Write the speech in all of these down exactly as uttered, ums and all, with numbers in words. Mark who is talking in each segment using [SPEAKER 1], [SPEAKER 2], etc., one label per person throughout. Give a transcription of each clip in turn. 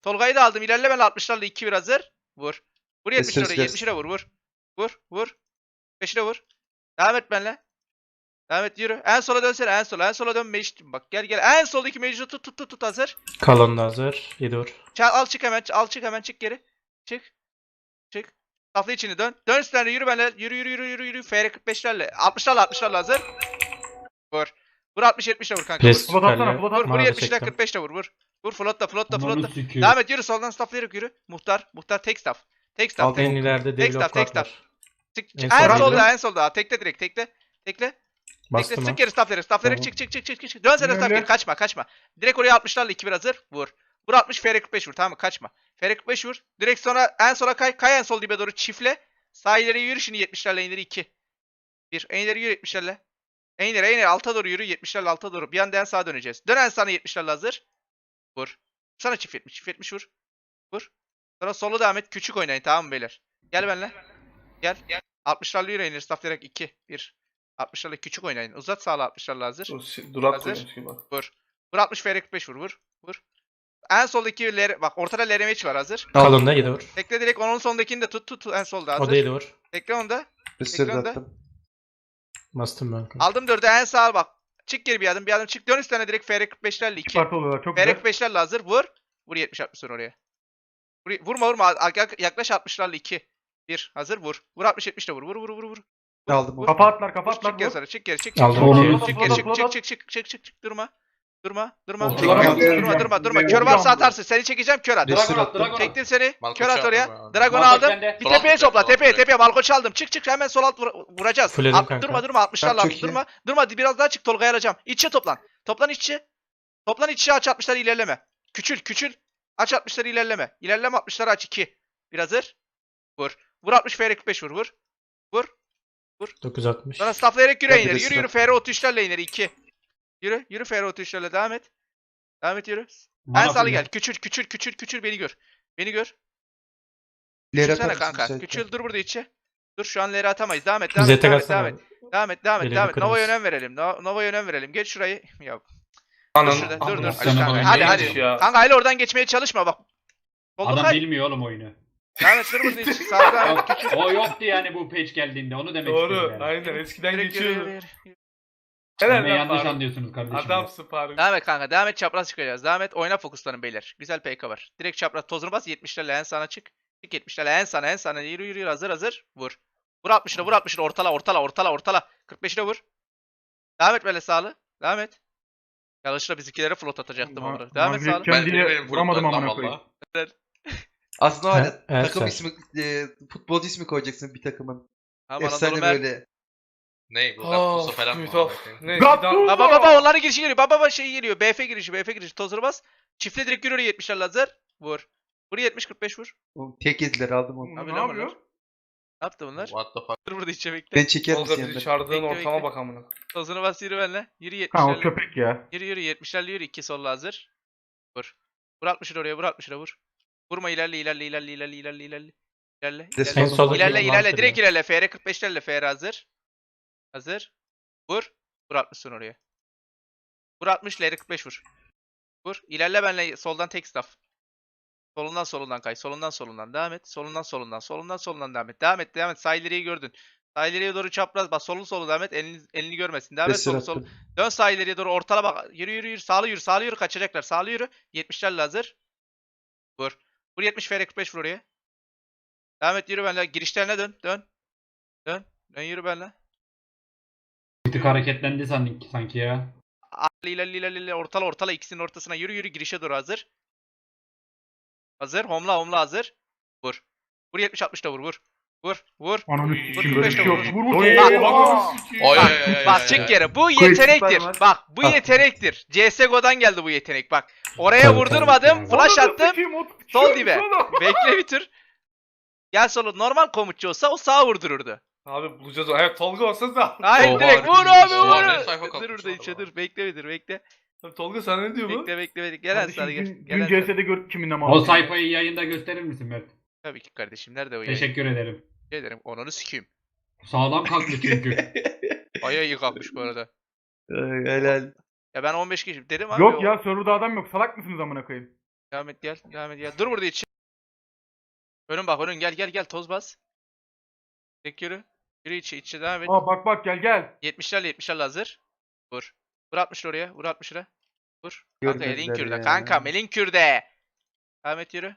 [SPEAKER 1] Tolga'yı da aldım. İlerle ben altmışlarla iki bir hazır. Vur. Vur yetmişe
[SPEAKER 2] Kes,
[SPEAKER 1] oraya.
[SPEAKER 2] kes.
[SPEAKER 1] yetmişe vur vur. Vur vur. beşine vur. Devam et benimle. Devam et yürü. En sola dönsene en sola. En sola dön Mecit. Bak gel gel. En soldaki Mecit'i tut tut tut tut hazır.
[SPEAKER 3] Kalon da hazır. yedi vur.
[SPEAKER 1] Çal, al çık hemen. Al çık hemen çık geri. Çık. Çık. Saflı içini dön. Dön üstlerine yürü benimle. Yürü yürü yürü yürü yürü. F R kırk beşlerle. altmışlarla altmışlarla hazır. Vur. Vur altmış yetmişle vur kanka. Vur.
[SPEAKER 3] Pres
[SPEAKER 4] Flot atsana,
[SPEAKER 3] kalle.
[SPEAKER 4] flot
[SPEAKER 1] Vur,
[SPEAKER 4] at.
[SPEAKER 1] vur
[SPEAKER 3] Mavi
[SPEAKER 1] yetmişle
[SPEAKER 3] çektim.
[SPEAKER 1] kırk beşle vur vur. Vur flotta flotta
[SPEAKER 5] Ananı
[SPEAKER 1] flotta.
[SPEAKER 5] sikeyim.
[SPEAKER 1] Devam et yürü soldan stafflayarak yürü. Muhtar. Muhtar tek staff. Tek staff.
[SPEAKER 2] Aldım.
[SPEAKER 1] Tek,
[SPEAKER 3] En ileride
[SPEAKER 1] tek staff
[SPEAKER 3] develop
[SPEAKER 1] tek staff.
[SPEAKER 3] var.
[SPEAKER 1] Çık,
[SPEAKER 3] En
[SPEAKER 1] çık. En
[SPEAKER 3] solda.
[SPEAKER 1] solda en solda. Tekle direkt tekle. Tekle. Tekle
[SPEAKER 3] Bastım
[SPEAKER 1] sık
[SPEAKER 3] ha.
[SPEAKER 1] geri stafflayarak. Stafflayarak
[SPEAKER 3] Tamam.
[SPEAKER 1] çık çık çık çık çık. çık. Dön sen de staff
[SPEAKER 4] Önüne.
[SPEAKER 1] geri. Kaçma kaçma. Direkt oraya altmışlarla iki bir hazır. Vur. Vur altmış F R kırk beş vur tamam mı? Kaçma. F R kırk beş vur. Direkt sonra en sola kay. Kay en sol dibe doğru çiftle. Sağ ileri yürü şimdi yetmişlerle en ileri iki. bir. En ileri yürü yetmişlerle. En ileri en ileri alta doğru yürü yetmişlerle alta doğru. Bir anda en sağa döneceğiz. Dön en sana yetmişlerle hazır. Vur. Sana çift yetmiş. Çift yetmiş vur. Vur. Sonra solu devam et. Küçük oynayın tamam mı beyler? Gel benimle. Gel. Gel. altmışlarla yürü inir. Stafflayarak iki. bir. altmışlarla küçük oynayın. Uzat sağla altmışlarla hazır.
[SPEAKER 4] Durak
[SPEAKER 1] Hazır.
[SPEAKER 4] koymuş gibi.
[SPEAKER 1] Vur. Vur altmış F R kırk beş vur vur. Vur. En soldaki ler bak ortada L R M H var hazır.
[SPEAKER 3] Kalon da yedi vur.
[SPEAKER 1] Tekle direkt onun sondakini de tut tut, tut en solda
[SPEAKER 3] O da
[SPEAKER 1] hazır.
[SPEAKER 3] yedi vur.
[SPEAKER 1] Tekle onu da.
[SPEAKER 2] Restore
[SPEAKER 1] Ekranda.
[SPEAKER 2] attım.
[SPEAKER 3] Bastım ben.
[SPEAKER 1] Aldım dördü en sağa bak. Çık geri bir adım bir adım çık dön üstüne direkt F R kırk beşlerle
[SPEAKER 4] İki
[SPEAKER 1] iki.
[SPEAKER 4] parti oluyorlar çok
[SPEAKER 1] F R
[SPEAKER 4] güzel.
[SPEAKER 1] kırk beşlerle hazır vur. Vur yetmiş altmış sonra oraya. Vur, vurma vurma Yak- yaklaş altmışlarla iki. bir hazır vur. Vur altmış yetmişle vur vur vur vur vur.
[SPEAKER 2] Aldım.
[SPEAKER 1] Vur.
[SPEAKER 4] Kafa atlar
[SPEAKER 1] Vur
[SPEAKER 4] kafa
[SPEAKER 1] çık
[SPEAKER 4] atlar
[SPEAKER 1] geri
[SPEAKER 4] vur.
[SPEAKER 1] sonra çık geri çık çık.
[SPEAKER 3] Aldım.
[SPEAKER 1] çık,
[SPEAKER 3] Onu
[SPEAKER 1] çık, çık geri çık
[SPEAKER 4] Flot
[SPEAKER 1] çık
[SPEAKER 4] at.
[SPEAKER 1] çık çık çık çık çık durma. Durma durma.
[SPEAKER 5] Flot
[SPEAKER 1] Durma
[SPEAKER 5] at.
[SPEAKER 1] durma durma durma. Kör varsa atarsın. Seni çekeceğim kör at.
[SPEAKER 2] Restore
[SPEAKER 5] Dragon at,
[SPEAKER 2] attım.
[SPEAKER 5] Dragon at.
[SPEAKER 1] Çektim seni.
[SPEAKER 6] Malkoç
[SPEAKER 1] Kör at
[SPEAKER 6] aldım
[SPEAKER 1] oraya.
[SPEAKER 6] ben.
[SPEAKER 1] Dragon'u
[SPEAKER 5] Malkoç
[SPEAKER 1] aldım.
[SPEAKER 5] bende.
[SPEAKER 1] Bir
[SPEAKER 6] Sol
[SPEAKER 1] tepeye
[SPEAKER 6] alt
[SPEAKER 1] topla.
[SPEAKER 6] direkt, sol
[SPEAKER 1] Tepeye
[SPEAKER 6] alt
[SPEAKER 1] tepeye. Malkoç aldım. Çık çık hemen sol alt vur- vuracağız.
[SPEAKER 3] Fulledim
[SPEAKER 1] At-
[SPEAKER 3] kanka.
[SPEAKER 1] durma durma altmışlarla
[SPEAKER 2] Çok
[SPEAKER 1] altmış.
[SPEAKER 2] iyi.
[SPEAKER 1] Durma. Durma biraz daha çık Tolga'yı alacağım. İçe toplan. Toplan içe. Toplan içe aç altmışları ilerleme. Küçül küçül. Aç altmışları ilerleme. İlerleme altmışları aç iki. Bir hazır. Vur. Vur altmış F R kırk beş vur vur. Vur.
[SPEAKER 3] dokuz altmış.
[SPEAKER 1] Sonra stafflayarak yürü
[SPEAKER 2] Hadi
[SPEAKER 1] ineri.
[SPEAKER 2] de
[SPEAKER 1] Yürü yürü
[SPEAKER 2] staff.
[SPEAKER 1] F R otuz üçlerle ineri iki. Yürü. Yürü F R otuz üçlerle devam et. Devam et yürü. En
[SPEAKER 5] Mana
[SPEAKER 1] sağlı
[SPEAKER 5] full.
[SPEAKER 1] gel. Küçül küçül küçül küçül beni gör. Beni gör.
[SPEAKER 2] İleri
[SPEAKER 1] Küçülsene
[SPEAKER 2] atar mısın
[SPEAKER 1] kanka.
[SPEAKER 2] müsaitken?
[SPEAKER 1] Küçül dur burada içe. Dur şu an leri atamayız. Devam et devam et
[SPEAKER 3] Zete
[SPEAKER 1] devam et devam
[SPEAKER 3] kalsana.
[SPEAKER 1] et. Devam et devam et
[SPEAKER 3] Elini
[SPEAKER 1] devam et. Nova'ya
[SPEAKER 3] kırarız.
[SPEAKER 1] önem verelim. No- Nova'ya önem verelim. Geç şurayı. Ya dur
[SPEAKER 4] Anan.
[SPEAKER 1] şurada. Dur dur.
[SPEAKER 5] Allah
[SPEAKER 1] Hadi
[SPEAKER 5] sana
[SPEAKER 1] kanka.
[SPEAKER 5] bak,
[SPEAKER 1] Hadi
[SPEAKER 5] neymiş
[SPEAKER 1] hadi.
[SPEAKER 4] ya?
[SPEAKER 1] Kanka hele oradan geçmeye çalışma bak. Solda
[SPEAKER 5] Adam
[SPEAKER 1] kay.
[SPEAKER 5] bilmiyor oğlum oyunu.
[SPEAKER 1] Devam et dur burada içe. Sağda devam et.
[SPEAKER 5] o yoktu yani bu page geldiğinde onu demek istiyorum
[SPEAKER 4] Doğru
[SPEAKER 5] yani.
[SPEAKER 4] aynen eskiden
[SPEAKER 1] Direkt yürü, yürü,
[SPEAKER 4] geçiyordu.
[SPEAKER 1] yürü.
[SPEAKER 4] Helal
[SPEAKER 5] Beni
[SPEAKER 4] lan
[SPEAKER 5] yanlış
[SPEAKER 4] Faruk.
[SPEAKER 5] anlıyorsunuz kardeşim.
[SPEAKER 4] Adamsın Faruk.
[SPEAKER 1] Devam et kanka. Devam et çapraz çıkacağız. Devam et. Oyna fokuslanın beyler. Güzel P K var. Direkt çapraz tozunu bas. yetmişlerle en sana çık. Çık yetmişlerle en sana en sana. Yürü yürü yürü. Hazır hazır. Vur. Vur altmışına vur altmışına. Ortala ortala ortala ortala. kırk beşine vur. Devam et böyle sağlı. Devam et. Yanlışlıkla bizimkilere float atacaktım
[SPEAKER 4] Ma-
[SPEAKER 1] onu. Devam et
[SPEAKER 4] Mavi
[SPEAKER 1] sağlı.
[SPEAKER 4] Kendi
[SPEAKER 6] Ben benim
[SPEAKER 4] vuramadım
[SPEAKER 6] vurumlarım
[SPEAKER 4] amına
[SPEAKER 6] lan
[SPEAKER 4] koyayım.
[SPEAKER 6] valla.
[SPEAKER 2] Aslında var ya
[SPEAKER 3] Ha, evet,
[SPEAKER 2] takım
[SPEAKER 3] sen.
[SPEAKER 2] ismi, e, futbolcu ismi koyacaksın bir takımın.
[SPEAKER 1] Aman
[SPEAKER 2] Efsane
[SPEAKER 1] Anadolu Mer.
[SPEAKER 2] böyle.
[SPEAKER 6] Ne bu?
[SPEAKER 4] Of,
[SPEAKER 6] Gattuso falan mı?
[SPEAKER 4] of. Ne?
[SPEAKER 1] Baba baba baba onların girişi geliyor. Baba baba şey geliyor. B F girişi B F girişi. Tozunu bas. Çiftle direkt yürü yetmişler hazır. Vur. Vur yetmiş kırk beş vur.
[SPEAKER 2] O tek yediler aldım onu.
[SPEAKER 1] Abi
[SPEAKER 4] Ne
[SPEAKER 1] ne
[SPEAKER 4] yapıyor?
[SPEAKER 1] bunlar? Ne yaptı bunlar?
[SPEAKER 6] What the fuck?
[SPEAKER 1] Dur burada içe bekle.
[SPEAKER 2] Ben çeker
[SPEAKER 4] Tolga
[SPEAKER 2] misin
[SPEAKER 4] bizi
[SPEAKER 2] yanına?
[SPEAKER 4] çağırdığın
[SPEAKER 1] Bekle,
[SPEAKER 4] ortama
[SPEAKER 1] bekle.
[SPEAKER 4] bak amına.
[SPEAKER 1] Tozunu bas yürü benimle. Yürü
[SPEAKER 4] Ha o
[SPEAKER 1] yetmişlerle.
[SPEAKER 4] köpek ya.
[SPEAKER 1] Yürü yürü yetmişlerle yürü. iki solla hazır. Vur. Vur altmışını oraya vur altmışını vur. Vurma ilerle ilerle ilerle ilerle ilerle ilerle. İlerle.
[SPEAKER 2] De
[SPEAKER 1] ilerle.
[SPEAKER 3] En soldaki
[SPEAKER 1] İlerle
[SPEAKER 3] olan
[SPEAKER 1] ilerle
[SPEAKER 3] mantıklı.
[SPEAKER 1] direkt ilerle. F R kırk beşlerle F R hazır. Hazır. Vur. Vur altmışsın oraya. Vur altmış L R kırk beş vur. Vur. İlerle benle soldan tek staff. Solundan solundan kay. Solundan solundan devam et. Solundan solundan. Solundan solundan devam et. Devam et devam et. Sağ ileriyi gördün. Sağ ileriye doğru çapraz. Bak solun solu devam et. Elini, elini görmesin. Devam et
[SPEAKER 2] Restore
[SPEAKER 1] solu solu.
[SPEAKER 2] attım.
[SPEAKER 1] Dön sağ ileriye doğru ortala bak. Yürü yürü yürü. Sağlı yürü. Sağlı yürü. Kaçacaklar. Sağlı yürü. yetmişlerle hazır. Vur. Vur yetmiş F R kırk beş vur oraya. Devam et yürü benle. Girişlerine dön. Dön. Dön. Dön yürü benle.
[SPEAKER 5] Bir tık hareketlendi sanki, sanki ya.
[SPEAKER 1] Ali ilerle ilerle ilerle. Ortala ortala. İkisinin ortasına yürü yürü. Girişe doğru hazır. Hazır. Homla homla hazır. Vur. Vur yetmiş altmış da vur vur. Vur. Vur.
[SPEAKER 4] Ananı
[SPEAKER 6] Vur,
[SPEAKER 4] sikeyim
[SPEAKER 1] vur,
[SPEAKER 4] böyle bir
[SPEAKER 1] beş
[SPEAKER 4] şey
[SPEAKER 1] de
[SPEAKER 4] yok.
[SPEAKER 1] vur.
[SPEAKER 4] Vur vur.
[SPEAKER 1] Oy,
[SPEAKER 4] Bak,
[SPEAKER 1] bak,
[SPEAKER 4] bak.
[SPEAKER 6] Oy oy oy oy.
[SPEAKER 1] Bak
[SPEAKER 6] oy,
[SPEAKER 1] çık
[SPEAKER 6] oy.
[SPEAKER 1] yere. Bu
[SPEAKER 4] Koy
[SPEAKER 1] yetenektir.
[SPEAKER 4] süper
[SPEAKER 1] Bak bu
[SPEAKER 2] Ah.
[SPEAKER 1] yetenektir. C S G O'dan geldi bu yetenek. Bak. Oraya
[SPEAKER 3] Tabii,
[SPEAKER 1] vurdurmadım.
[SPEAKER 5] tabii.
[SPEAKER 1] Flash
[SPEAKER 4] Ananı
[SPEAKER 1] attım.
[SPEAKER 4] sikeyim, o-
[SPEAKER 1] Sol
[SPEAKER 4] Şu-
[SPEAKER 1] dibe.
[SPEAKER 4] sola.
[SPEAKER 1] Bekle bir tür. Gel solu. Normal komutçu olsa o sağa vurdururdu.
[SPEAKER 4] Abi bulacağız o. Evet Tolga olsa da.
[SPEAKER 1] Hayır
[SPEAKER 6] Oha,
[SPEAKER 1] direkt vur
[SPEAKER 6] harbi
[SPEAKER 1] abi
[SPEAKER 6] bilmiş. Oha, ne
[SPEAKER 1] vur.
[SPEAKER 6] sayfa
[SPEAKER 1] Dur
[SPEAKER 6] kalkmış
[SPEAKER 1] burada
[SPEAKER 6] orada
[SPEAKER 1] içe
[SPEAKER 6] lan.
[SPEAKER 1] dur. Bekle bir dur bekle.
[SPEAKER 4] Tabii Tolga sana ne diyor bu?
[SPEAKER 1] Bekle bekle bekle. Gel
[SPEAKER 4] Kardeşim,
[SPEAKER 1] Ensar'a gel.
[SPEAKER 4] Dün,
[SPEAKER 1] Gel
[SPEAKER 4] dün
[SPEAKER 1] Ensar'a.
[SPEAKER 4] C S'de gördük kiminle
[SPEAKER 5] O
[SPEAKER 4] muhabbet.
[SPEAKER 5] sayfayı yayında gösterir misin Mert?
[SPEAKER 1] Tabii ki kardeşim. Nerede o yayın?
[SPEAKER 5] Teşekkür ederim.
[SPEAKER 1] Teşekkür ederim. Onunu sikeyim.
[SPEAKER 5] Sağlam kalktı çünkü.
[SPEAKER 1] Bayağı iyi kalkmış bu arada.
[SPEAKER 2] Ay, helal.
[SPEAKER 1] Ya ben on beş kişi dedim abi.
[SPEAKER 4] Yok
[SPEAKER 1] o-
[SPEAKER 4] ya serverda adam yok. Salak mısınız amına koyayım?
[SPEAKER 1] Devam et gel. Devam et gel. Dur burada içi. Önün bak önün gel gel gel toz bas. Tek yürü. Yürü içi içi devam et.
[SPEAKER 7] Aa bak bak gel gel.
[SPEAKER 1] yetmişlerle yetmişlerle hazır. Vur. Vur altmışlı oraya. Vur altmış lira. Vur. Kanka
[SPEAKER 2] Görmediler
[SPEAKER 1] elin kürde.
[SPEAKER 2] ya.
[SPEAKER 1] Kanka melin kürde. Devam et yürü.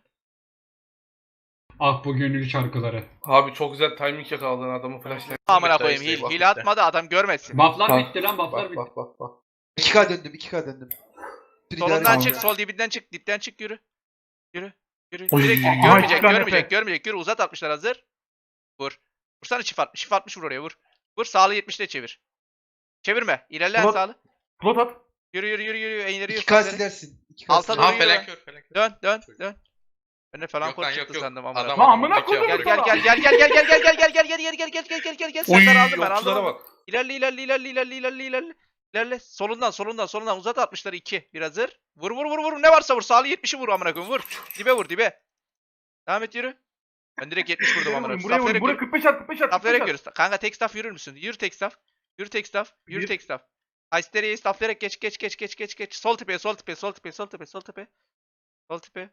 [SPEAKER 5] Ah bu gönül şarkıları.
[SPEAKER 4] Abi çok güzel timing yakaladın adamı flashlight.
[SPEAKER 1] Amına
[SPEAKER 6] Bitti,
[SPEAKER 1] koyayım.
[SPEAKER 6] işte,
[SPEAKER 1] Hil,
[SPEAKER 6] bak
[SPEAKER 1] hil
[SPEAKER 6] bitti.
[SPEAKER 1] atmadı adam görmesin.
[SPEAKER 5] Bufflar
[SPEAKER 2] Bak,
[SPEAKER 5] bitti lan bufflar
[SPEAKER 2] Bak
[SPEAKER 5] bitti.
[SPEAKER 2] bak bak bak. iki K döndüm iki K döndüm. Bir
[SPEAKER 1] Solundan
[SPEAKER 2] idare
[SPEAKER 1] çık.
[SPEAKER 2] et.
[SPEAKER 1] Sol dibinden çık. Dipten çık yürü. Yürü. Yürü.
[SPEAKER 7] Oy,
[SPEAKER 1] Direkt yürü.
[SPEAKER 7] aha,
[SPEAKER 1] Görmeyecek
[SPEAKER 7] iki tane
[SPEAKER 1] görmeyecek
[SPEAKER 7] Efe.
[SPEAKER 1] görmeyecek. Yürü uzat altmışlar hazır. Vur. Vursana çift altmış. Çift altmış vur oraya vur. Vur sağlı yetmişle çevir. Çevirme. İlerle en
[SPEAKER 7] Ulan-
[SPEAKER 1] sağlı.
[SPEAKER 7] Plot at.
[SPEAKER 1] Yürü yürü yürü yürü. Eğleri yürü.
[SPEAKER 2] iki K silersin. iki K
[SPEAKER 1] Alta
[SPEAKER 2] silersin.
[SPEAKER 1] doğru
[SPEAKER 6] Aha
[SPEAKER 1] yürü.
[SPEAKER 6] felak kör felak kör.
[SPEAKER 1] Dön dön dön. Ben de falan
[SPEAKER 6] Yok lan,
[SPEAKER 1] kod
[SPEAKER 6] yok,
[SPEAKER 1] çıktı
[SPEAKER 6] yok.
[SPEAKER 1] sandım amına.
[SPEAKER 6] Adam
[SPEAKER 7] Lan
[SPEAKER 6] adamın
[SPEAKER 7] amına
[SPEAKER 6] iki
[SPEAKER 7] koydum
[SPEAKER 6] amına
[SPEAKER 1] Gel
[SPEAKER 7] sana.
[SPEAKER 1] gel gel gel gel gel gel gel gel gel gel gel gel gel gel gel gel
[SPEAKER 4] Oy
[SPEAKER 1] Serdar aldım ben aldım.
[SPEAKER 4] okçulara
[SPEAKER 1] aldım.
[SPEAKER 4] bak.
[SPEAKER 1] İlerle ilerle ilerle ilerle ilerle ilerle. İlerle. Solundan solundan solundan uzat altmışları iki. Bir hazır. Vur vur vur vur ne varsa vur. Sağlı yetmişi vur amına koyayım vur. Dibe vur dibe. Devam et yürü. Ben direkt yetmiş vurdum amına koyayım.
[SPEAKER 7] Buraya vurun.
[SPEAKER 1] Stafflayarak
[SPEAKER 7] Buraya
[SPEAKER 1] yürü.
[SPEAKER 7] kırk beş at kırk beş at.
[SPEAKER 1] Stafflayarak
[SPEAKER 7] kırk beş
[SPEAKER 1] yürü. Kanka tek staff yürür müsün? Yürü tek staff. Yürü tek staff. Yürü
[SPEAKER 7] Bir.
[SPEAKER 1] tek staff. Aysteriye'yi stafflayarak geç geç geç geç geç geç. Sol tepeye sol tepeye sol tepeye sol tepeye sol tepeye. Sol tepeye.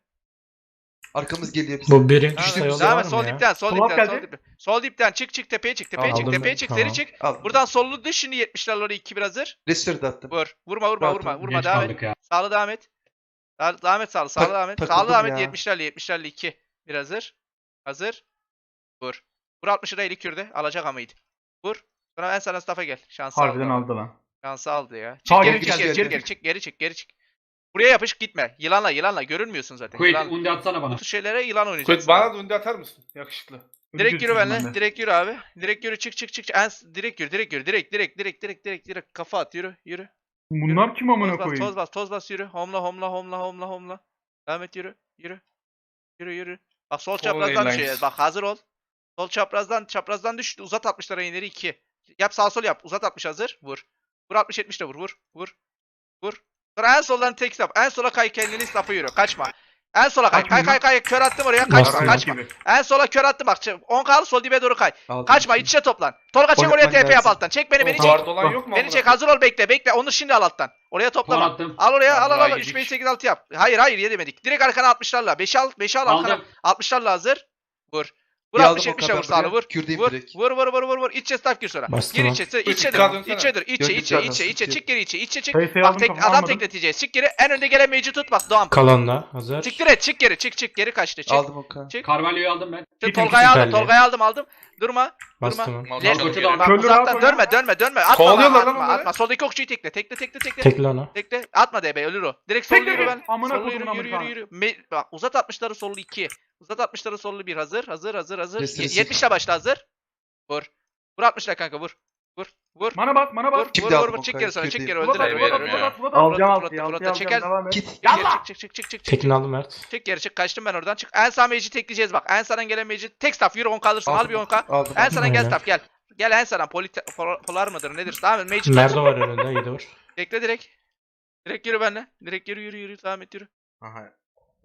[SPEAKER 2] Arkamız geliyor bize.
[SPEAKER 3] Bu birinci
[SPEAKER 1] Devam
[SPEAKER 3] sayı
[SPEAKER 1] et.
[SPEAKER 3] yolu
[SPEAKER 1] Devam
[SPEAKER 3] var
[SPEAKER 1] et
[SPEAKER 3] mı
[SPEAKER 1] sol
[SPEAKER 3] ya?
[SPEAKER 1] dipten sol
[SPEAKER 7] Sol
[SPEAKER 1] dipten
[SPEAKER 7] up
[SPEAKER 1] sol
[SPEAKER 7] geldi.
[SPEAKER 1] dipten. Sol dipten çık çık tepeye çık tepeye çık
[SPEAKER 3] Aldım
[SPEAKER 1] tepeye
[SPEAKER 3] ben,
[SPEAKER 1] çık
[SPEAKER 3] tamam.
[SPEAKER 1] seri çık.
[SPEAKER 2] Al.
[SPEAKER 1] Buradan sollu düş şimdi yetmişlerle oraya iki bir hazır.
[SPEAKER 2] Restore de attım.
[SPEAKER 1] Vur. Vurma vurma
[SPEAKER 2] Rahat
[SPEAKER 1] vurma
[SPEAKER 2] ol,
[SPEAKER 1] vurma
[SPEAKER 5] Geç
[SPEAKER 1] devam et.
[SPEAKER 5] kaldık ya.
[SPEAKER 1] Sağlı devam et. Sağ, devam et sağlı sağlı
[SPEAKER 2] Tak-
[SPEAKER 1] devam et. Sağlı
[SPEAKER 2] takıldım
[SPEAKER 1] devam et
[SPEAKER 2] ya.
[SPEAKER 1] yetmişlerle yetmişlerle iki. Bir hazır. Hazır. Vur. Vur altmış lirayla kürde. Alacak amaydı. Vur. Sonra en sana staff'a gel. Şansı
[SPEAKER 7] Harbiden
[SPEAKER 1] aldı.
[SPEAKER 7] aldı lan.
[SPEAKER 1] Şansı aldı ya. Çık
[SPEAKER 7] Sağ
[SPEAKER 1] geri
[SPEAKER 7] geri
[SPEAKER 1] çık geri
[SPEAKER 2] geldi.
[SPEAKER 1] çık geri çık geri çık geri çık. Buraya yapış gitme. Yılanla yılanla görünmüyorsun zaten.
[SPEAKER 5] Quit
[SPEAKER 1] Yılan.
[SPEAKER 5] undi atsana bana.
[SPEAKER 1] Bu tür şeylere yılan oynayacaksın.
[SPEAKER 4] Kuyt bana da öndü atar mısın? Yakışıklı.
[SPEAKER 1] Direkt yürü
[SPEAKER 7] Ödül
[SPEAKER 1] benimle.
[SPEAKER 7] ben de.
[SPEAKER 1] Direkt yürü abi. Direkt yürü çık çık çık. En, direkt yürü direkt yürü. Direkt direkt direkt direkt direkt direkt kafa at yürü yürü.
[SPEAKER 7] Bunlar kim amına
[SPEAKER 1] Toz bas toz
[SPEAKER 7] koyayım?
[SPEAKER 1] bas toz bas yürü. Homla homla homla homla homla. Devam et yürü. Yürü. Yürü yürü. Bak sol çaprazdan
[SPEAKER 4] lines.
[SPEAKER 1] düşeceğiz. Bak hazır ol. Sol çaprazdan çaprazdan düştü. Uzat altmışlara ileri iki. Yap sağ sol yap. Uzat altmış hazır. Vur. Vur altmış yetmiş de vur. Vur. Vur. Vur. Sonra en soldan tek stop. En sola kay kendini staff'a yürü. Kaçma. En sola kay. Kay kay kay. Kör attım oraya. Kaçma.
[SPEAKER 3] Bastım.
[SPEAKER 1] Kaçma. En sola kör attım bak. on kal sol dibe doğru kay.
[SPEAKER 2] Aldım.
[SPEAKER 1] Kaçma iç içe toplan. Tolga çek
[SPEAKER 2] Oynatman
[SPEAKER 1] oraya T P yap
[SPEAKER 2] lazım.
[SPEAKER 1] alttan. Çek beni beni çek.
[SPEAKER 4] Guard olan yok mu?
[SPEAKER 1] Beni
[SPEAKER 4] amına
[SPEAKER 1] çek
[SPEAKER 4] koyayım?
[SPEAKER 1] hazır ol bekle bekle. Onu şimdi al alttan. Oraya
[SPEAKER 5] Puan
[SPEAKER 1] toplama.
[SPEAKER 5] attım.
[SPEAKER 1] Al oraya al al
[SPEAKER 4] Vallahi
[SPEAKER 1] al.
[SPEAKER 4] yedik.
[SPEAKER 1] üç beş sekiz altı yap. Hayır hayır yedemedik. Direkt arkana altmışlarla. beşi al beşi al arkana.
[SPEAKER 5] Aldım.
[SPEAKER 1] altmışlarla hazır. Vur. Vur
[SPEAKER 2] Bir aldım
[SPEAKER 1] altmış
[SPEAKER 2] o
[SPEAKER 1] yetmişe
[SPEAKER 2] kadar
[SPEAKER 1] vur sağını
[SPEAKER 2] buraya.
[SPEAKER 1] vur.
[SPEAKER 2] Kürdeyim
[SPEAKER 1] Vur.
[SPEAKER 2] direkt.
[SPEAKER 1] Vur vur vur vur vur. İçe staff gir sonra.
[SPEAKER 3] Bastım
[SPEAKER 1] Gir
[SPEAKER 3] lan.
[SPEAKER 1] içe.
[SPEAKER 4] Dikkat
[SPEAKER 1] İçe dur.
[SPEAKER 4] dönsene.
[SPEAKER 1] İçe dur. İçe
[SPEAKER 2] Döndüm
[SPEAKER 1] içe
[SPEAKER 2] zaten,
[SPEAKER 1] içe içe.
[SPEAKER 2] sıkıntı
[SPEAKER 1] Çık geri içe. İçe çık.
[SPEAKER 7] Sayısıyı
[SPEAKER 1] Bak
[SPEAKER 7] aldım,
[SPEAKER 1] tek
[SPEAKER 7] kafamı
[SPEAKER 1] adam
[SPEAKER 7] almadım.
[SPEAKER 1] tekleteceğiz. Çık geri. En önde gelen mage'i tut bak Doğan.
[SPEAKER 3] Kalan da hazır.
[SPEAKER 1] Çık direkt çık geri. Çık çık geri kaçtı. Çık.
[SPEAKER 2] Aldım o K.
[SPEAKER 1] Çık.
[SPEAKER 5] Carvalho'yu aldım ben.
[SPEAKER 1] Çık,
[SPEAKER 7] Gittim,
[SPEAKER 1] Tolga'yı aldım.
[SPEAKER 3] süperli.
[SPEAKER 1] Tolga'yı aldım aldım. Durma.
[SPEAKER 3] Bastım.
[SPEAKER 6] Mal
[SPEAKER 1] Left-
[SPEAKER 6] çalıyor
[SPEAKER 5] Koçu
[SPEAKER 6] geri.
[SPEAKER 5] da-
[SPEAKER 1] Bak
[SPEAKER 7] Körlü
[SPEAKER 1] uzaktan
[SPEAKER 7] rahat
[SPEAKER 1] dönme
[SPEAKER 7] oyna.
[SPEAKER 1] dönme dönme. Atma
[SPEAKER 4] Kovalıyorlar
[SPEAKER 1] atma
[SPEAKER 4] lan
[SPEAKER 1] atma,
[SPEAKER 4] onları.
[SPEAKER 1] atma. Soldaki okçuyu tekle tekle tekle tekle.
[SPEAKER 3] Tekli onu.
[SPEAKER 1] Tekle. Atma D B ölür o. Direkt sol
[SPEAKER 7] Tekle
[SPEAKER 1] yürü
[SPEAKER 7] git.
[SPEAKER 1] ben.
[SPEAKER 7] Amına
[SPEAKER 1] Sollu yürü
[SPEAKER 7] kodumun
[SPEAKER 1] yürü yürü
[SPEAKER 7] Amerikanı.
[SPEAKER 1] yürü. Me- bak uzat altmışları sollu iki. Uzat altmışları sollu bir hazır. Hazır hazır hazır.
[SPEAKER 2] Restore
[SPEAKER 1] Ye-
[SPEAKER 2] sil.
[SPEAKER 1] yetmişle başla hazır. Vur. Vur altmışla kanka vur. Vur. Vur.
[SPEAKER 7] Mana bas mana
[SPEAKER 1] Vur.
[SPEAKER 7] bas.
[SPEAKER 2] Şimdi
[SPEAKER 1] Vur vur
[SPEAKER 2] aldım
[SPEAKER 1] vur.
[SPEAKER 2] o
[SPEAKER 1] Çık
[SPEAKER 2] kayı,
[SPEAKER 1] geri sonra çık
[SPEAKER 2] Kürdeyim.
[SPEAKER 1] geri
[SPEAKER 7] Plot
[SPEAKER 1] öldüler
[SPEAKER 7] at
[SPEAKER 1] öldüler
[SPEAKER 7] plot at
[SPEAKER 1] öldüler.
[SPEAKER 7] plot at plot at.
[SPEAKER 1] Alacağım
[SPEAKER 7] Alacağım
[SPEAKER 1] altıyı,
[SPEAKER 7] altıyı
[SPEAKER 1] altıyı
[SPEAKER 7] altıyı
[SPEAKER 1] alacağım,
[SPEAKER 7] alacağım devam et.
[SPEAKER 2] Git.
[SPEAKER 1] Çık geri
[SPEAKER 7] Yallah.
[SPEAKER 1] çık çık çık çık çık.
[SPEAKER 3] Tekini aldım Mert.
[SPEAKER 1] Çık geri çık kaçtım ben oradan çık. En sağ mage'i tekleyeceğiz bak. En sağdan gelen mage'i tek staff yürü on kalırsın al
[SPEAKER 2] Aldım
[SPEAKER 1] bir
[SPEAKER 2] o
[SPEAKER 1] on
[SPEAKER 2] K.
[SPEAKER 1] k.
[SPEAKER 2] Aldım.
[SPEAKER 1] En sağdan gel
[SPEAKER 3] Aynen.
[SPEAKER 1] staff gel. Gel en sağdan poli pol- polar mıdır nedir? Tamam mı? Mage'i
[SPEAKER 3] Merdo var önünde. İyi dur.
[SPEAKER 1] bekle direkt. Direkt yürü benimle. Direkt yürü yürü yürü devam et yürü.
[SPEAKER 6] Aha.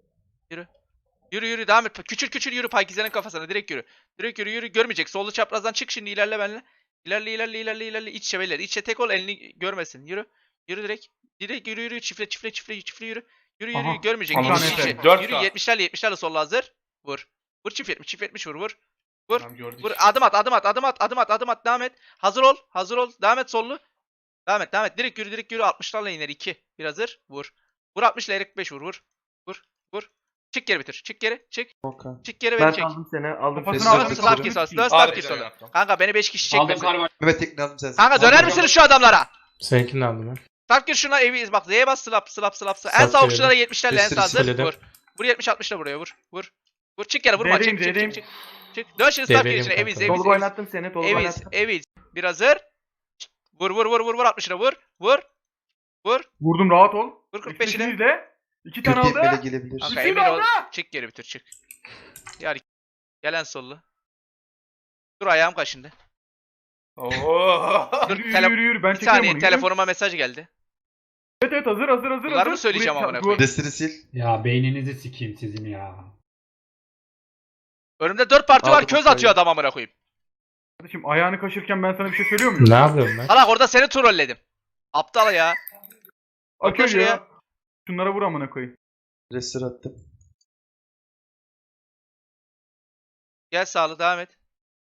[SPEAKER 1] Yürü yürü devam et. Küçül küçül yürü Pakize'nin kafasına direkt yürü. Direkt yürü yürü görmeyecek. Sollu çaprazdan çık şimdi ilerle benimle. İlerle ilerle ilerle ilerle iç çeveler. İçe tek ol elini görmesin. Yürü. Yürü direkt. Direkt yürü yürü çifle çifle çifle çifle yürü. Yürü yürü
[SPEAKER 7] Aha.
[SPEAKER 1] yürü görmeyecek.
[SPEAKER 7] Aman
[SPEAKER 1] İç
[SPEAKER 7] Efe,
[SPEAKER 1] içe.
[SPEAKER 4] dört
[SPEAKER 1] Yürü
[SPEAKER 4] K.
[SPEAKER 1] yetmişlerle yetmişlerle solla hazır. Vur. Vur çift yetmiş çift yetmiş vur vur. Vur.
[SPEAKER 4] Tamam, gördük.
[SPEAKER 1] Vur adım at adım at adım at adım at adım at devam et. Hazır ol hazır ol devam et sollu. Devam et devam et direkt yürü direkt yürü altmışlarla iner iki. Bir hazır vur. Vur altmışla erik beş vur vur. Vur vur. Çık geri bitir. Çık geri çık.
[SPEAKER 2] O K.
[SPEAKER 1] Çık geri
[SPEAKER 7] Ben
[SPEAKER 1] beni çek.
[SPEAKER 7] aldım seni aldım
[SPEAKER 2] Kafasını
[SPEAKER 7] seni.
[SPEAKER 2] aldım.
[SPEAKER 1] Slow
[SPEAKER 2] Aldım.
[SPEAKER 1] stop kill sonra. Slow
[SPEAKER 4] Harbiden
[SPEAKER 1] stop kill sonra.
[SPEAKER 4] yaptım.
[SPEAKER 1] Kanka beni beş kişi
[SPEAKER 5] Aldım
[SPEAKER 1] çekmesin.
[SPEAKER 5] Carvalho.
[SPEAKER 2] Evet tekne aldım sensin.
[SPEAKER 1] Kanka döner
[SPEAKER 5] Aldım.
[SPEAKER 1] misiniz şu adamlara?
[SPEAKER 3] Seninkini aldım ben.
[SPEAKER 1] Stop kill şuna evi bak Z'ye bas slap slap slap. slap. En
[SPEAKER 3] Slap
[SPEAKER 1] sağ
[SPEAKER 3] diyorum.
[SPEAKER 1] okçulara yetmişlerle en
[SPEAKER 2] Restore
[SPEAKER 1] sağ hazır.
[SPEAKER 3] siledim.
[SPEAKER 1] Vur. Vur yetmiş altmışla buraya vur. Vur. Vur çık yere vurma
[SPEAKER 7] Z'deyim,
[SPEAKER 1] çık çık
[SPEAKER 7] Z'deyim.
[SPEAKER 1] çık çık. Çık. Dön şimdi stop kill
[SPEAKER 3] Z'deyim
[SPEAKER 1] içine
[SPEAKER 3] kanka.
[SPEAKER 1] eviz eviz
[SPEAKER 7] Tolga
[SPEAKER 1] eviz.
[SPEAKER 7] oynattım seni. Tolga
[SPEAKER 1] Eviz
[SPEAKER 7] oynattım.
[SPEAKER 1] eviz. Bir hazır. Vur vur vur vur vur altmışına vur. Vur. Vur.
[SPEAKER 7] Vurdum rahat ol.
[SPEAKER 1] Vur kırk beşine.
[SPEAKER 7] Beşini izle. İki tane
[SPEAKER 2] Kürdeyim böyle
[SPEAKER 7] aldı.
[SPEAKER 2] gelebilir.
[SPEAKER 1] Kanka
[SPEAKER 7] Üçünü
[SPEAKER 1] emin ol.
[SPEAKER 7] aldı.
[SPEAKER 1] Çık geri bitir çık. Yar. Gelen sollu. Dur ayağım kaşındı.
[SPEAKER 4] Oo.
[SPEAKER 1] Dur
[SPEAKER 7] Yürü
[SPEAKER 1] tele-
[SPEAKER 7] yürü yürü yürü. Ben
[SPEAKER 1] bir
[SPEAKER 7] çekiyorum
[SPEAKER 1] saniye
[SPEAKER 7] onu. yürü.
[SPEAKER 1] telefonuma mesaj geldi.
[SPEAKER 7] Evet evet hazır hazır hazır.
[SPEAKER 1] Bunları
[SPEAKER 7] hazır.
[SPEAKER 1] mı söyleyeceğim
[SPEAKER 7] Buraya-
[SPEAKER 1] amına
[SPEAKER 7] dur.
[SPEAKER 1] koyayım?
[SPEAKER 2] Destini sil.
[SPEAKER 5] Ya beyninizi sikeyim sizin ya.
[SPEAKER 1] Önümde dört parti var
[SPEAKER 2] Aldım
[SPEAKER 1] köz
[SPEAKER 2] o
[SPEAKER 1] atıyor
[SPEAKER 2] parayı.
[SPEAKER 1] adam amına koyayım.
[SPEAKER 7] Kardeşim ayağını kaşırken ben sana bir şey söylüyor muyum?
[SPEAKER 3] Ne yapıyorum ben?
[SPEAKER 1] Salak orada seni trolledim. Aptal ya.
[SPEAKER 7] Akıyor
[SPEAKER 1] şuraya.
[SPEAKER 7] ya. Şunlara vur amına koyayım.
[SPEAKER 2] Restore attım.
[SPEAKER 1] Gel sağlı devam et.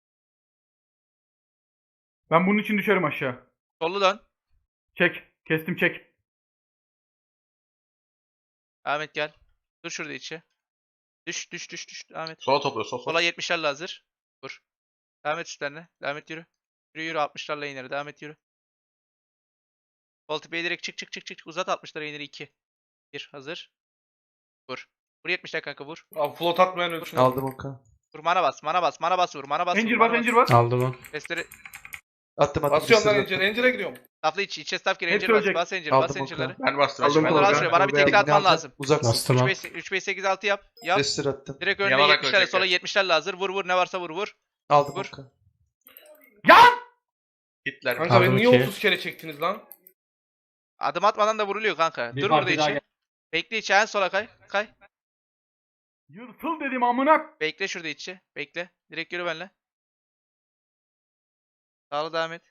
[SPEAKER 7] Ben bunun için düşerim aşağı.
[SPEAKER 1] Sollu dön.
[SPEAKER 7] Çek. Kestim çek.
[SPEAKER 1] Devam et gel. Dur şurada içi. Düş düş düş düş. Devam et.
[SPEAKER 6] Sola topluyor. Sol sol.
[SPEAKER 1] Sola yetmişlerle hazır. Vur. Devam et üstlerine. Devam et yürü. Yürü yürü altmışlarla ineri. Devam et yürü. Sol tepeye direkt çık çık çık çık. Uzat altmışlara ineri iki. bir hazır. Vur. Vur yetmişler kanka vur.
[SPEAKER 4] Abi float atmayan ölçün.
[SPEAKER 2] Aldım Okan.
[SPEAKER 1] Vur mana bas mana bas mana bas vur mana bas vur.
[SPEAKER 7] Encir
[SPEAKER 1] mana
[SPEAKER 7] bas encir bas.
[SPEAKER 3] Aldım onu.
[SPEAKER 1] Restleri
[SPEAKER 2] Attım attım.
[SPEAKER 4] Basıyorum lan
[SPEAKER 2] restore
[SPEAKER 4] Encir'e.
[SPEAKER 2] attım.
[SPEAKER 4] Encir'e gidiyorum.
[SPEAKER 1] Safla iç içe staff gir
[SPEAKER 7] Hepsi
[SPEAKER 1] encir bas.
[SPEAKER 7] ölecek.
[SPEAKER 1] Bas encir
[SPEAKER 2] Aldım
[SPEAKER 1] bas encirleri.
[SPEAKER 2] Okan.
[SPEAKER 6] Ben bastım.
[SPEAKER 7] Aldım
[SPEAKER 6] Ben
[SPEAKER 1] Dur
[SPEAKER 7] Tolga.
[SPEAKER 1] az
[SPEAKER 6] bastım.
[SPEAKER 1] şuraya bana bir
[SPEAKER 7] Tolga'ya.
[SPEAKER 1] tekli
[SPEAKER 2] Tekniğini
[SPEAKER 1] atman
[SPEAKER 2] aldım.
[SPEAKER 1] lazım.
[SPEAKER 2] Uzaksın.
[SPEAKER 3] Bastım
[SPEAKER 1] üç
[SPEAKER 3] ha.
[SPEAKER 1] beş üç beş sekiz altı yap. Yap.
[SPEAKER 2] Restore attım.
[SPEAKER 1] Direkt önüne
[SPEAKER 6] Yanarak
[SPEAKER 1] yetmişlerle
[SPEAKER 6] ölecekler.
[SPEAKER 1] sola yetmişlerle hazır. Vur vur ne varsa vur vur.
[SPEAKER 2] Aldım
[SPEAKER 1] Vur.
[SPEAKER 2] Okan.
[SPEAKER 7] Ya!
[SPEAKER 6] Hitler.
[SPEAKER 4] Kanka
[SPEAKER 3] Aldım
[SPEAKER 4] beni niye
[SPEAKER 3] ki.
[SPEAKER 4] otuz kere çektiniz lan?
[SPEAKER 1] Adım atmadan da vuruluyor kanka.
[SPEAKER 5] Bir
[SPEAKER 1] Dur burada
[SPEAKER 5] parti daha
[SPEAKER 1] içi.
[SPEAKER 5] gel.
[SPEAKER 1] Bekle içi en sola kay. Kay.
[SPEAKER 7] Yırtıl dedim amına.
[SPEAKER 1] Bekle şurada içi. Bekle. Direkt yürü benimle. Sağlı devam et.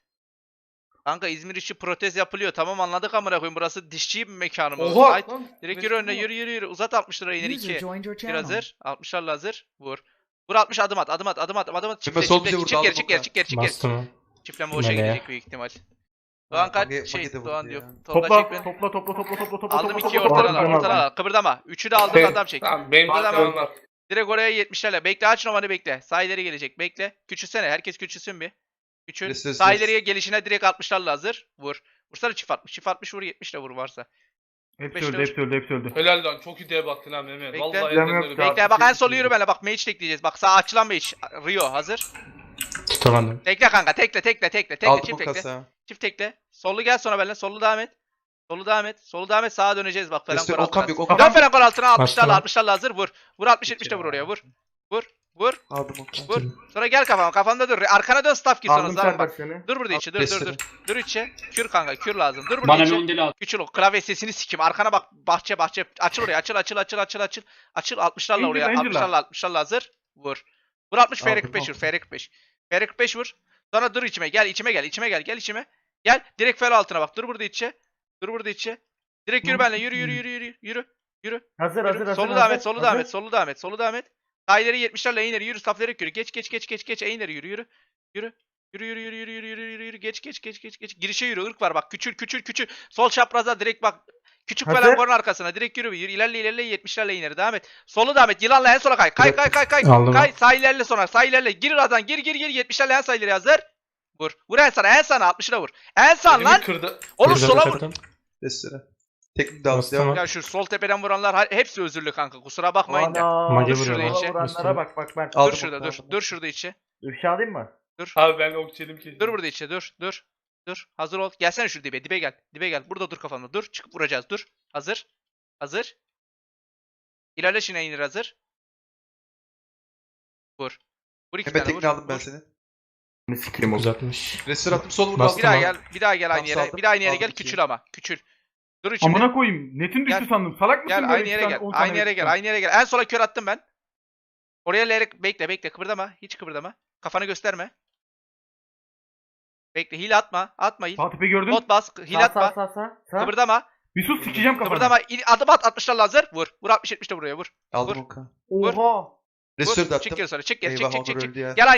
[SPEAKER 1] Kanka İzmir işi protez yapılıyor. Tamam anladık amına koyayım. Burası dişçi bir mekanım.
[SPEAKER 4] Oha
[SPEAKER 1] Haydi.
[SPEAKER 4] lan.
[SPEAKER 1] Direkt yürü önüne
[SPEAKER 4] Resmi
[SPEAKER 1] yürü yürü yürü. Uzat altmış lira iner
[SPEAKER 8] User
[SPEAKER 1] iki.
[SPEAKER 8] joined your
[SPEAKER 1] Bir
[SPEAKER 8] channel.
[SPEAKER 1] hazır. altmışlarla hazır. Vur. Vur altmış adım at. Adım at. Adım at. Adım at. Çiftle
[SPEAKER 2] sol
[SPEAKER 1] çiftle.
[SPEAKER 2] bize vurdu,
[SPEAKER 1] Çık geri
[SPEAKER 2] aldım
[SPEAKER 1] çık geri
[SPEAKER 2] Okan.
[SPEAKER 1] çık geri çık geri.
[SPEAKER 3] Bastım onu.
[SPEAKER 1] Çiftleme boşa
[SPEAKER 3] Meleğe.
[SPEAKER 1] gidecek büyük ihtimal. Doğan kaç
[SPEAKER 2] Mage-
[SPEAKER 1] şey
[SPEAKER 2] Mage de vurdu
[SPEAKER 1] Doğan
[SPEAKER 2] ya.
[SPEAKER 1] diyor. Tolga
[SPEAKER 7] Topla,
[SPEAKER 1] çek beni.
[SPEAKER 7] topla topla topla topla topla.
[SPEAKER 1] Aldım
[SPEAKER 7] topla,
[SPEAKER 1] ikiyi
[SPEAKER 7] topla,
[SPEAKER 1] ortadan
[SPEAKER 7] topla.
[SPEAKER 1] al. Ortadan al. Kıpırdama. Üçü de aldım
[SPEAKER 4] Şey,
[SPEAKER 1] adam çek.
[SPEAKER 4] Tamam benim
[SPEAKER 1] Burada
[SPEAKER 4] bakıyorum
[SPEAKER 1] ama-
[SPEAKER 4] var.
[SPEAKER 1] Direkt oraya yetmişlerle. Bekle aç numaranı bekle. Sağ ileri gelecek. Bekle. Küçülsene. Herkes küçülsün bir. Küçül.
[SPEAKER 2] Restore,
[SPEAKER 1] Sağ
[SPEAKER 2] restore.
[SPEAKER 1] ileriye gelişine direkt altmışlarla hazır. Vur. Vursana çift altmış. Çift altmış vur yetmişle vur varsa.
[SPEAKER 7] Hepsi
[SPEAKER 1] Beşte
[SPEAKER 7] öldü, hepsi öldü, hepsi öldü.
[SPEAKER 4] Helal lan çok iyi diye baktın ha Mehmet.
[SPEAKER 1] Bekle.
[SPEAKER 4] Vallahi
[SPEAKER 7] Bilmem
[SPEAKER 4] ellerini
[SPEAKER 7] yok
[SPEAKER 4] öpüyorum.
[SPEAKER 1] Bekle bak en solu yürü benimle. Bak mage tekleyeceğiz. Bak sağ açılan mage. Rio hazır.
[SPEAKER 3] Tutamadım.
[SPEAKER 1] Tekle kanka. Tekle tekle tekle. Tekle
[SPEAKER 2] Aldım
[SPEAKER 1] çift
[SPEAKER 2] o
[SPEAKER 1] tekle.
[SPEAKER 2] kasa.
[SPEAKER 1] Çift tekle. Sollu gel sonra benimle. Sollu devam et. Solu devam et. Solu devam et. Sağa döneceğiz bak falan.
[SPEAKER 2] Restore
[SPEAKER 1] kor
[SPEAKER 2] Okan
[SPEAKER 1] altına.
[SPEAKER 2] yok. Okan.
[SPEAKER 1] Dön falan kor altına. altmışlarla
[SPEAKER 3] Bastım.
[SPEAKER 1] altmışlarla hazır. Vur. Vur altmış yetmişle vur oraya. Vur. Vur. Vur.
[SPEAKER 2] Aldım Okan.
[SPEAKER 1] Vur. Sonra gel kafama. Kafanda dur. Arkana dön staff gir sonra.
[SPEAKER 7] Aldım
[SPEAKER 1] Zaman
[SPEAKER 7] Serdar
[SPEAKER 1] bak.
[SPEAKER 7] seni.
[SPEAKER 1] Dur burada içi. Dur dur
[SPEAKER 2] Restore.
[SPEAKER 1] dur. Dur içi. Kür kanka. Kür lazım. Dur burada
[SPEAKER 5] Bana
[SPEAKER 1] içi.
[SPEAKER 5] mendil al.
[SPEAKER 1] Küçül o klavye sesini sikim. Arkana bak bahçe bahçe. Açıl oraya. Açıl açıl açıl açıl açıl. Açıl altmışlarla
[SPEAKER 7] Angel,
[SPEAKER 1] oraya.
[SPEAKER 7] Angel'la.
[SPEAKER 1] altmışlarla altmışlarla hazır. Vur. Vur altmış F R
[SPEAKER 2] Aldım,
[SPEAKER 1] kırk beş vur.
[SPEAKER 2] aldım.
[SPEAKER 1] F R kırk beş. F R kırk beş vur. Sonra dur içime. Gel içime gel. içime gel. Gel içime. Gel. Direkt fel altına bak. Dur burada içe. Dur burada içe. Direkt yürü benimle. Yürü yürü yürü yürü. Yürü. Yürü.
[SPEAKER 9] Hazır
[SPEAKER 1] Yürü.
[SPEAKER 9] hazır hazır.
[SPEAKER 1] Solu devam et. Solu devam et. Solu devam et. Solu devam et. Sağ ileri yetmişlerle ileri yürü. Safları yürü. Geç geç geç geç geç. ileri yürü yürü. Yürü. Yürü yürü yürü yürü yürü yürü yürü yürü geç geç geç geç geç girişe yürü ırk var bak küçül küçül küçül sol çapraza direkt bak küçük falan
[SPEAKER 9] Hazır.
[SPEAKER 1] korun arkasına direkt yürü yürü ilerle ilerle yetmişlerle ileri devam et solu devam et yılanla en sola kay kay kay kay kay
[SPEAKER 3] Aldım.
[SPEAKER 1] kay sağ ilerle sonra sağ ilerle gir razan gir gir gir yetmişlerle en sağ ileri hazır vur vur en sana en sana altmışına vur en sağ
[SPEAKER 4] Elimi
[SPEAKER 1] lan
[SPEAKER 4] kırdı.
[SPEAKER 1] oğlum
[SPEAKER 3] Kırdım,
[SPEAKER 1] sola vur
[SPEAKER 3] kırdım.
[SPEAKER 2] Restore. Teknik de aldım.
[SPEAKER 3] Bastım
[SPEAKER 2] Devam.
[SPEAKER 3] ha.
[SPEAKER 1] ya şu sol tepeden vuranlar ha- hepsi özürlü kanka kusura bakmayın da
[SPEAKER 9] Ana.
[SPEAKER 3] Mage
[SPEAKER 1] Dur şurada
[SPEAKER 3] vuruyor
[SPEAKER 1] içe.
[SPEAKER 3] lan.
[SPEAKER 9] Vuranlara bak bak ben.
[SPEAKER 2] Aldım
[SPEAKER 1] dur şurada
[SPEAKER 2] Okan,
[SPEAKER 1] dur
[SPEAKER 2] aldım.
[SPEAKER 1] dur şurada içi
[SPEAKER 9] Ifşa alayım mı?
[SPEAKER 4] Abi ben ok yedim ki.
[SPEAKER 1] dur burada içi dur dur dur hazır ol gelsene şu dibe dibe gel dibe gel burada dur kafamda dur çıkıp vuracağız dur hazır hazır İlerle şimdi inir hazır. Vur. Vur iki
[SPEAKER 2] Hemen
[SPEAKER 1] tane vur.
[SPEAKER 2] tekniğini aldım ben
[SPEAKER 1] vur.
[SPEAKER 2] seni.
[SPEAKER 7] Ne sikeyim o.
[SPEAKER 3] Uzatmış.
[SPEAKER 2] Restore attım. Sol vurdu.
[SPEAKER 3] Bastım.
[SPEAKER 1] Bir daha
[SPEAKER 3] Tamam.
[SPEAKER 1] gel. Bir daha gel aynı
[SPEAKER 2] Tam
[SPEAKER 1] yere.
[SPEAKER 2] saldım.
[SPEAKER 1] Bir daha aynı yere
[SPEAKER 2] Aldım
[SPEAKER 1] gel.
[SPEAKER 2] ikiyi.
[SPEAKER 1] Küçül ama. Küçül. Dur içinde.
[SPEAKER 7] Amına koyayım. Netin düştü
[SPEAKER 1] Gel.
[SPEAKER 7] sandım. Salak mısın?
[SPEAKER 1] Gel
[SPEAKER 7] böyle
[SPEAKER 1] aynı
[SPEAKER 7] iki
[SPEAKER 1] yere
[SPEAKER 7] tane,
[SPEAKER 1] gel.
[SPEAKER 7] on tane
[SPEAKER 1] Aynı yere gel.
[SPEAKER 7] bekliyorum?
[SPEAKER 1] Aynı yere gel. En sola kör attım ben. Oraya lerek bekle bekle kıpırdama. Hiç kıpırdama. Kafanı gösterme. Bekle hile atma. Atma hile.
[SPEAKER 7] Sağ tepe gördün.
[SPEAKER 1] Bot bas. Hile
[SPEAKER 9] Sağ sağ
[SPEAKER 1] atma.
[SPEAKER 9] sağ sağ. Sağ.
[SPEAKER 1] Kıpırdama.
[SPEAKER 7] Bir sus sikeceğim kafanı.
[SPEAKER 1] Kıpırdama. İl- Adım at. altmışlarla hazır. Vur. Vur altmış yetmişte buraya vur.
[SPEAKER 2] Aldım
[SPEAKER 1] Vur.
[SPEAKER 2] Okan.
[SPEAKER 1] Vur.
[SPEAKER 9] Oha.
[SPEAKER 2] Restore de
[SPEAKER 1] Vur. Çık
[SPEAKER 2] attım.
[SPEAKER 1] geri sonra. Çık geri. Çık
[SPEAKER 2] Eyvah
[SPEAKER 1] çık
[SPEAKER 2] Onur
[SPEAKER 1] çık. çık.
[SPEAKER 2] öldü ya.
[SPEAKER 1] Gel